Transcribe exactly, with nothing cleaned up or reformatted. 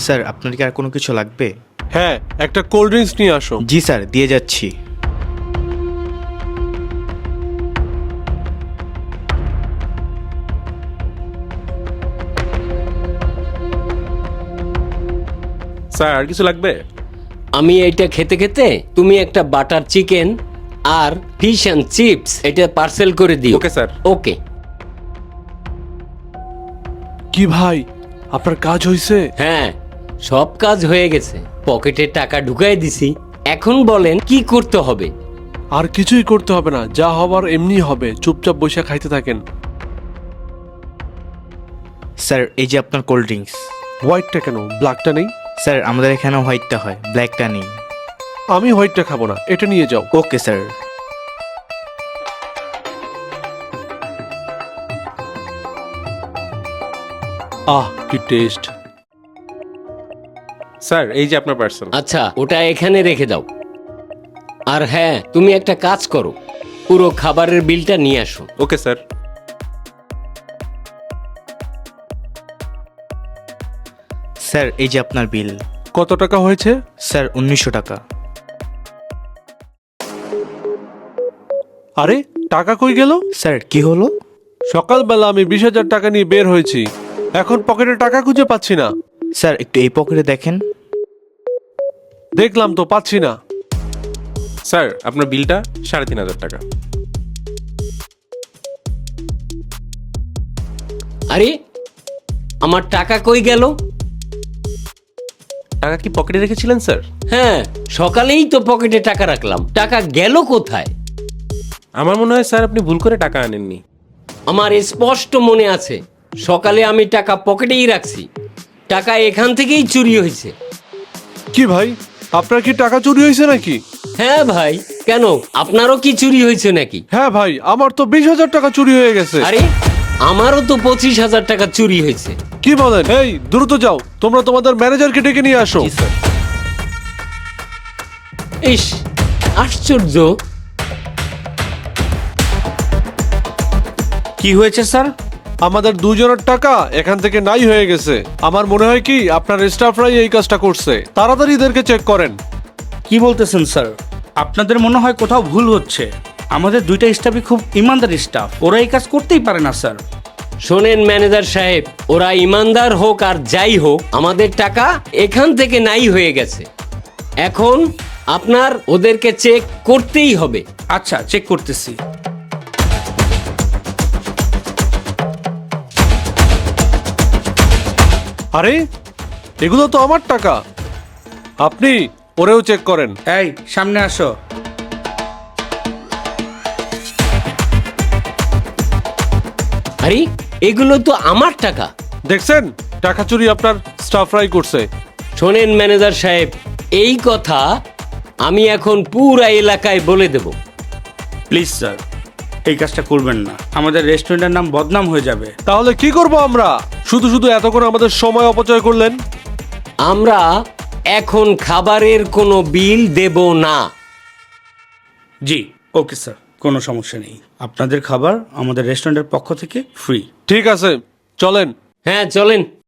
Sir আপনার কি আর কোনো কিছু লাগবে? হ্যাঁ, একটা কোল্ড ড্রিঙ্কস নিয়ে আসো। জি স্যার, দিয়ে যাচ্ছি। স্যার আর কিছু লাগবে? আমি এইটা খেতে খেতে তুমি একটা বাটার চিকেন আর ফিশ অ্যান্ড চিপস এটা পার্সেল করে দিও। Okay sir. ওকে। কি ভাই, আপনার কাজ হয়েছে? হ্যাঁ, সব কাজ হয়ে গেছে, পকেটে টাকা ঢুকাই দিছি। এখন বলেন কি করতে হবে? আর কিছুই করতে হবে না, যা হবার এমনি হবে। চুপচাপ বসে খাইতে থাকেন। স্যার এই যে আপনার কোল্ড ড্রিঙ্কস। হোয়াইটটা কেন, ব্ল্যাকটা নেই? স্যার আমাদের এখানে হোয়াইটটা হয়, ব্ল্যাকটা নেই। আমি হোয়াইটটা খাবো না, এটা নিয়ে যাও। Okay sir. আহ কি টেস্ট। স্যার এই যে আপনার পার্সেল। আচ্ছা, ওটা এখানে রেখে দাও। আর হ্যাঁ, তুমি একটা কাজ করো, পুরো খাবারের বিলটা নিয়ে আসো। Okay sir. স্যার এই যে আপনার বিল। কত টাকা হয়েছে? স্যার উনিশশো টাকা। আরে টাকা কই গেল? স্যার কি হলো? সকালবেলা আমি বিশ হাজার টাকা নিয়ে বের হয়েছি, এখন পকেটে টাকা খুঁজে পাচ্ছি না। স্যার একটু এই পকেটে দেখেন। দেখলাম তো, পাচ্ছি না। স্যার আপনার বিলটা সাড়ে তিন হাজার টাকা। আরে আমার টাকা কই গেল? টাকা কি পকেটে রেখেছিলেন স্যার? হ্যাঁ, সকালেই তো পকেটে টাকা রাখলাম, টাকা গেল কোথায়? আমার মনে হয় স্যার আপনি ভুল করে টাকা আনেননি। আমার স্পষ্ট মনে আছে, সকালে আমি টাকা পকেটেই রাখছি, টাকা এখান থেকেই চুরি হয়েছে। কি ভাই, আপনার কি টাকা চুরি হয়েছে নাকি? হ্যাঁ ভাই, কেন আপনারও কি চুরি হয়েছে নাকি? হ্যাঁ ভাই, আমার তো বিশ হাজার টাকা চুরি হয়ে গেছে। আরে আমারও তো পঁচিশ হাজার টাকা চুরি হয়েছে। কি বলেন? এই দ্রুত যাও, তোমরা তোমাদের ম্যানেজারকে ডেকে নিয়ে আসো। জি স্যার। ইস, আশ্চর্য। কি হয়েছে স্যার? আমাদের দুজনের টাকা এখান থেকে নাই হয়ে গেছে। আমার মনে হয় কি আপনার স্টাফরাই এই কাজটা করছে। তাড়াতাড়ি এদেরকে চেক করেন। কি বলতেছেন স্যার? আপনাদের মনে হয় কোথাও ভুল হচ্ছে। আমাদের দুইটা স্টাফই খুব ইমানদার স্টাফ, ওরা এই কাজ করতেই পারে না স্যার। শোনেন ম্যানেজার সাহেব, ওরা ইমানদার হোক আর যাই হোক, আমাদের টাকা এখান থেকে নাই হয়ে গেছে। এখন আপনার ওদেরকে চেক করতেই হবে। আচ্ছা, চেক করতেছি। আরে এগুলো তো আমার টাকা, আপনি ওরেও চেক করেন। এই সামনে আসো। আরে এগুলো তো আমার টাকা। দেখছেন, টাকা চুরি আপনার স্টাফরাই করছে। শোনেন ম্যানেজার সাহেব, এই কথা আমি এখন পুরা এলাকায় বলে দেব। প্লিজ স্যার, এই কাজটা করবেন না, আমাদের রেস্টুরেন্টের নাম বদনাম হয়ে যাবে। তাহলে কি করব আমরা? শুধু শুধু এতক্ষণ আমাদের সময় অপচয় করলেন। আমরা এখন খাবারের কোনো বিল দেব না। জি ওকে স্যার, কোনো সমস্যা নেই। আপনাদের খাবার আমাদের রেস্টুরেন্টের পক্ষ থেকে ফ্রি। ঠিক আছে, চলেন। হ্যাঁ চলেন।